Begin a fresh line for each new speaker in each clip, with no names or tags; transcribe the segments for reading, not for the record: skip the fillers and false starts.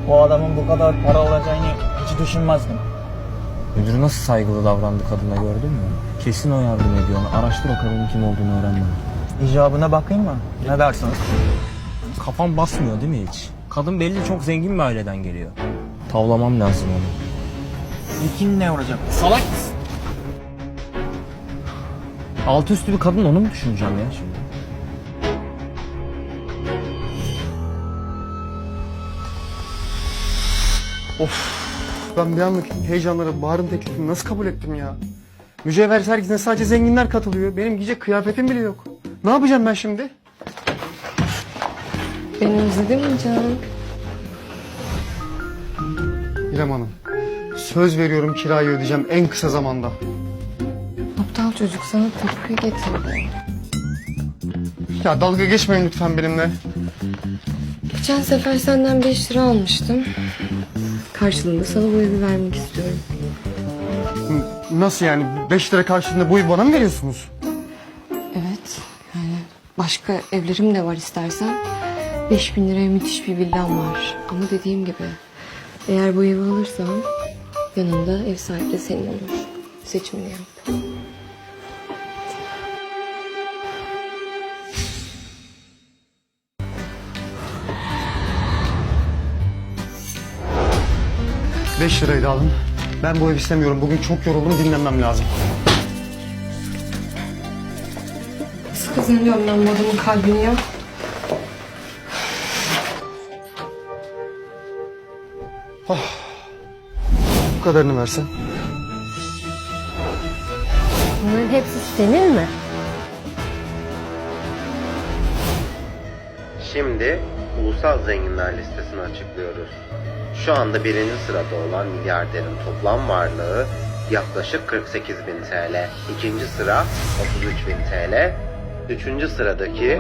O adamın bu kadar para alacağını hiç düşünmezdim.
Müdür nasıl saygılı davrandı kadına, gördün mü? Kesin o yardım ediyor ona. Araştır o kadının kim olduğunu, öğren bana.
İcabına bakayım mı? Ne dersiniz?
Kafam basmıyor değil mi hiç? Kadın belli çok zengin bir aileden geliyor. Tavlamam lazım onu.
İlkin ne olacak?
Salak mısın? Altı üstü bir kadın, onu mu düşüneceğim ya şimdi?
Ben bir anlık heyecanlara Bahar'ın teklifini nasıl kabul ettim ya? Mücevher sergisine sadece zenginler katılıyor. Benim giyecek kıyafetim bile yok. Ne yapacağım ben şimdi?
Beni özledin mi canım?
İrem Hanım, söz veriyorum kirayı ödeyeceğim en kısa zamanda.
Aptal çocuk sana tıpkı getirdi.
Ya dalga geçmeyin lütfen benimle.
Geçen sefer senden 5 lira almıştım. Karşılığında sana bu evi vermek istiyorum.
Nasıl yani? 5 lira karşılığında bu evi bana mı veriyorsunuz?
Evet. Yani başka evlerim de var istersen. 5.000 liraya müthiş bir villam var. Ama dediğim gibi eğer bu evi alırsan yanında ev sahibi de senin olur. Seçimini yap.
Beş lirayı da alın. Ben bu evi istemiyorum. Bugün çok yoruldum, dinlenmem lazım.
Nasıl kazanıyorum ben bu adamın kalbini ya?
Bu kadarını versen.
Bunların hepsi senin mi?
Şimdi ulusal zenginler listesini açıklıyoruz. Şu anda birinci sırada olan milyarderin toplam varlığı yaklaşık 48.000 TL. İkinci sıra 33.000 TL. Üçüncü sıradaki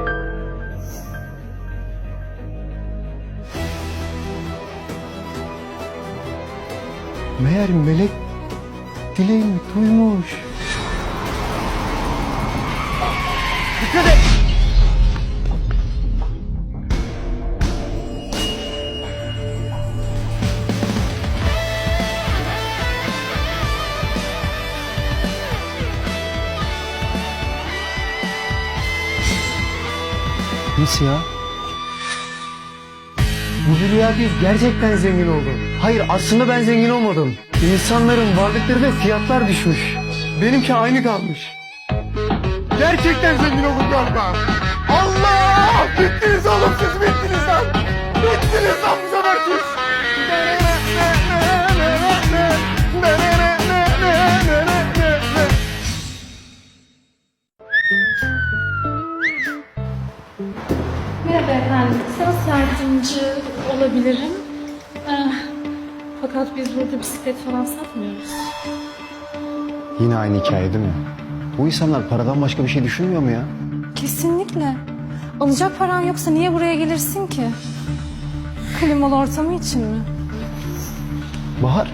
Meğer melek dileğimi duymuş. Dikkat et! Nasıl ya? Bu rüya değil, gerçekten zengin oldum. Hayır, aslında ben zengin olmadım. İnsanların varlıkları ve fiyatlar düşmüş. Benimki aynı kalmış. Gerçekten zengin oldum galiba. Allah! Bittiniz oğlum, siz bittiniz lan! Bittiniz lan bu sefer siz!
Merhaba efendim. Size nasıl yardımcı olabilirim? Fakat biz burada bisiklet falan satmıyoruz.
Yine aynı hikaye değil mi? Bu insanlar paradan başka bir şey düşünmüyor mu ya?
Kesinlikle. Alacak paran yoksa niye buraya gelirsin ki? Klimalı ortamı için mi?
Bahar,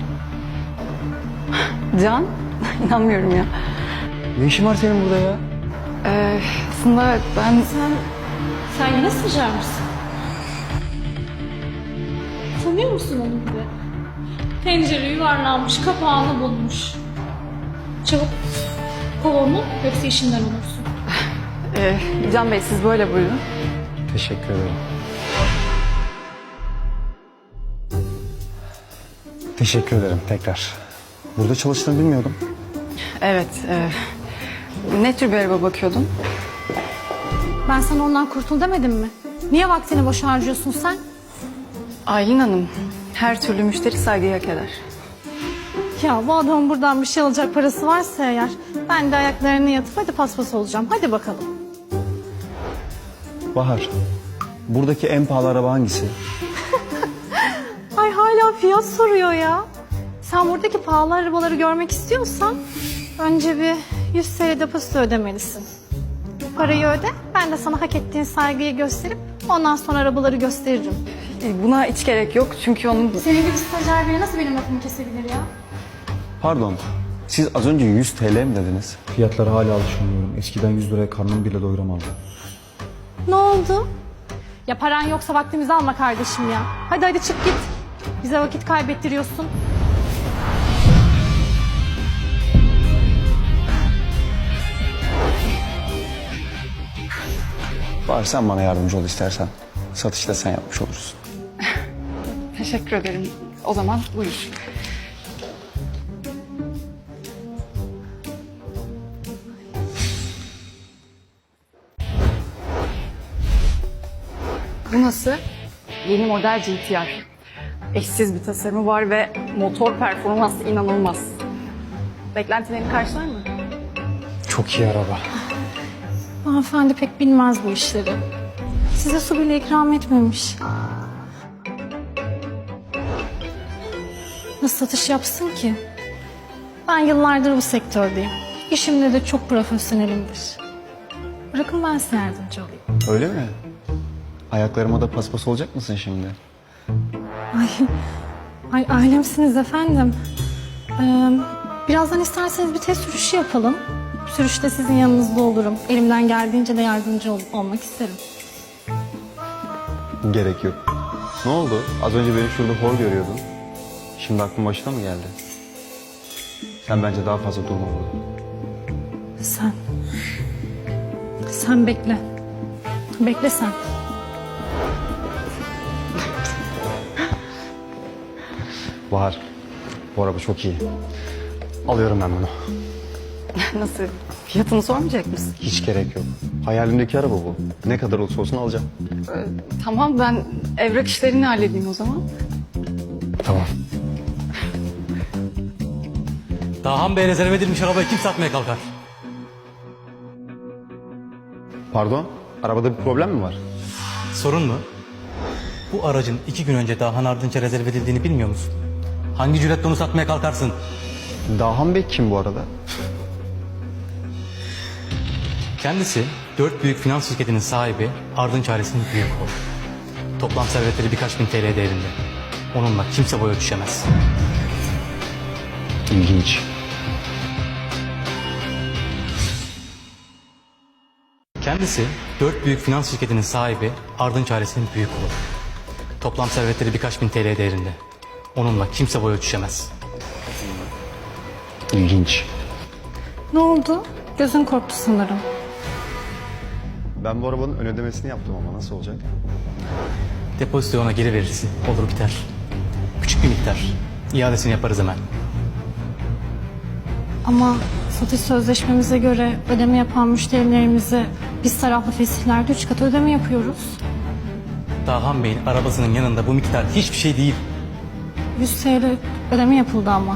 Can, inanmıyorum ya.
ne işin var senin burada ya?
Aslında ben...
Sen yine sıcar mısın? Tanıyor musun onu bir de? Tencere yuvarlanmış, kapağını bulmuş. Çabuk kov onu, yoksa işinden olursun.
Can Bey siz böyle buyurun.
Teşekkür ederim. Teşekkür ederim tekrar. Burada çalıştığını bilmiyordum.
Evet, ne tür bir araba bakıyordun?
Ben sana ondan kurtul demedim mi? Niye vaktini boş harcıyorsun sen?
Aylin Hanım, her türlü müşteri saygıyı hak eder.
Ya bu adamın buradan bir şey alacak parası varsa eğer... ...ben de ayaklarını yatıp hadi paspas olacağım. Hadi bakalım.
Bahar, buradaki en pahalı araba hangisi?
Ay hala fiyat soruyor ya. Sen buradaki pahalı arabaları görmek istiyorsan... ...önce bir 100 TL depozito ödemelisin. Parayı öde, ben de sana hak ettiğin saygıyı gösterip... ...ondan sonra arabaları gösteririm.
Buna hiç gerek yok çünkü onun...
Senin gibi stajyer biri nasıl benim lafımı kesebilir ya?
Pardon, siz az önce 100 TL mi dediniz?
Fiyatlara hala alışamıyorum. Eskiden 100 liraya karnımı bile doyuramazdım.
Ne oldu? Ya paran yoksa vaktimizi alma kardeşim ya. Hadi hadi çık git. Bize vakit kaybettiriyorsun.
Bahar sen bana yardımcı ol istersen. Satışta da sen yapmış olursun.
Teşekkür ederim. O zaman buyur. Bu nasıl? Yeni model GTR. Eşsiz bir tasarımı var ve motor performansı inanılmaz. Beklentilerini karşılar mı?
Çok iyi araba.
Hanımefendi pek bilmez bu işleri. Size su bile ikram etmemiş. Nasıl satış yapsın ki? Ben yıllardır bu sektördeyim. İşimde de çok profesyonelimdir. Bırakın ben size yardımcı olayım.
Öyle mi? Ayaklarıma da paspas olacak mısın şimdi?
Ay ailemsiniz efendim. Birazdan isterseniz bir test sürüşü yapalım. Sürüşte sizin yanınızda olurum. Elimden geldiğince de yardımcı olmak isterim.
Gerek yok. Ne oldu? Az önce beni şurada hor görüyordun. Şimdi aklın başına mı geldi? Sen bence daha fazla durma burada.
Sen bekle. Bekle sen.
Bahar, bu araba çok iyi. Alıyorum ben bunu.
Nasıl? Fiyatını sormayacak mısın?
Hiç gerek yok. Hayalimdeki araba bu. Ne kadar olursa olsun alacağım.
Tamam, ben evrak işlerini halledeyim o zaman.
Tamam.
Dahan Bey rezerve edilmiş arabayı kim satmaya kalkar?
Pardon, arabada bir problem mi var?
Sorun mu? Bu aracın 2 gün önce Dahan Ardınç'a rezerve edildiğini bilmiyor musun? Hangi cüretle onu satmaya kalkarsın?
Dahan Bey kim bu arada?
Kendisi 4 büyük finans şirketinin sahibi, Ardınç ailesinin büyük oğlu. Toplam servetleri birkaç bin TL değerinde. Onunla kimse boy ölçüşemez.
İlginç.
Kendisi 4 büyük finans şirketinin sahibi, Ardınç ailesinin büyük oğlu. Toplam servetleri birkaç bin TL değerinde. Onunla kimse boy ölçüşemez.
İlginç.
Ne oldu? Gözün korktu sanırım.
Ben bu arabanın ön ödemesini yaptım ama nasıl olacak?
Depozitoyu ona geri verirsin. Olur biter. Küçük bir miktar. İadesini yaparız hemen.
Ama satış sözleşmemize göre ödeme yapan müşterilerimize biz taraflı fesihlerde 3 katı ödeme yapıyoruz.
Dahan Bey'in arabasının yanında bu miktar hiçbir şey değil.
100 TL ödeme yapıldı ama.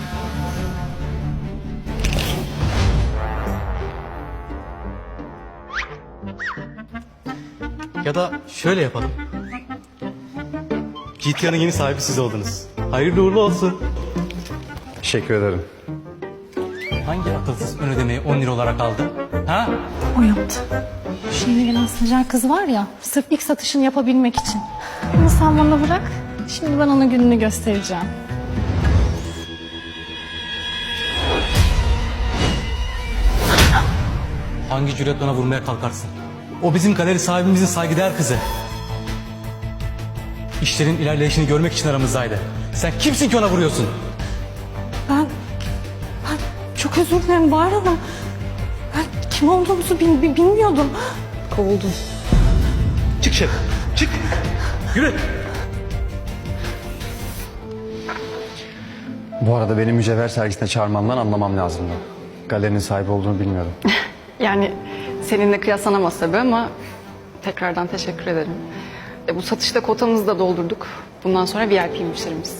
Ya da şöyle yapalım. GTA'nın yeni sahibi siz oldunuz. Hayırlı uğurlu olsun.
Teşekkür ederim.
Hangi akılsız ön ödemeyi 10 lira olarak aldı? Ha?
O yaptı. Şimdi gelen stajyer kız var ya, sırf ilk satışını yapabilmek için. Bunu sen bana bırak, şimdi ben ona gününü göstereceğim.
Hangi cüretle ona vurmaya kalkarsın? O bizim galeri sahibimizin saygıdeğer kızı. İşlerin ilerleyişini görmek için aramızdaydı. Sen kimsin ki ona vuruyorsun?
Ben çok özür dilerim Bahar Hanım. Ben kim olduğumuzu bilmiyordum. Kovuldum.
Çık şef, çık. Yürü.
Bu arada beni mücevher sergisine çağırmandan anlamam lazımdı. Galerinin sahibi olduğunu bilmiyordum.
Yani seninle kıyaslanamaz tabii ama tekrardan teşekkür ederim. Bu satışta kotamızı da doldurduk. Bundan sonra VIP müşterimiz.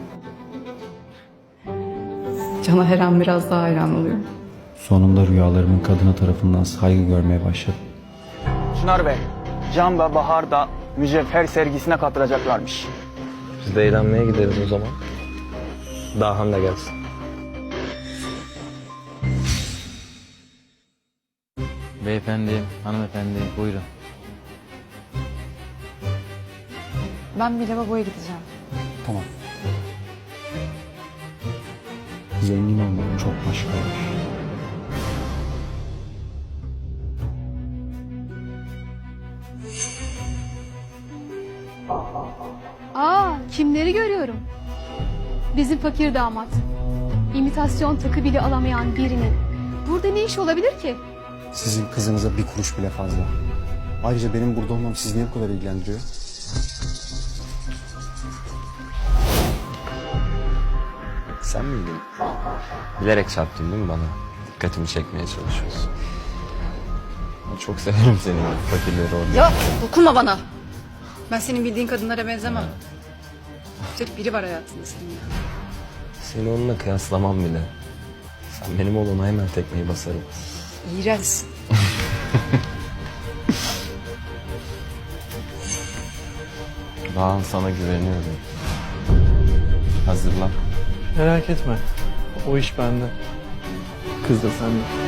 Can'a her an biraz daha hayran oluyorum.
Sonunda rüyalarımın kadına tarafından saygı görmeye başladım.
Çınar Bey, Can ve Bahar da mücevher sergisine katılacaklarmış.
Biz de eğlenmeye gideriz o zaman. Dahan da gelsin.
Beyefendi, hanımefendi buyurun.
Ben bir lavaboya gideceğim.
Tamam.
Zengin olmak çok başkaymış.
Kimleri görüyorum? Bizim fakir damat. İmitasyon takı bile alamayan birinin. Burada ne iş olabilir ki?
Sizin kızınıza bir kuruş bile fazla. Ayrıca benim burada olmam sizi niye bu kadar ilgilendiriyor?
Sen miydin? Bilerek çarptın değil mi bana? Dikkatimi çekmeye çalışıyorsun. Çok severim seni fakirleri orada.
Ya dokunma bana. Ben senin bildiğin kadınlara benzemem. Tek biri var hayatında senin.
Seni onunla kıyaslamam bile. Sen benim olana hemen tekmeyi basarım.
İğrenç.
Daha sana güveniyorum. Hazırlan.
Merak etme. O iş bende. Kız da sende.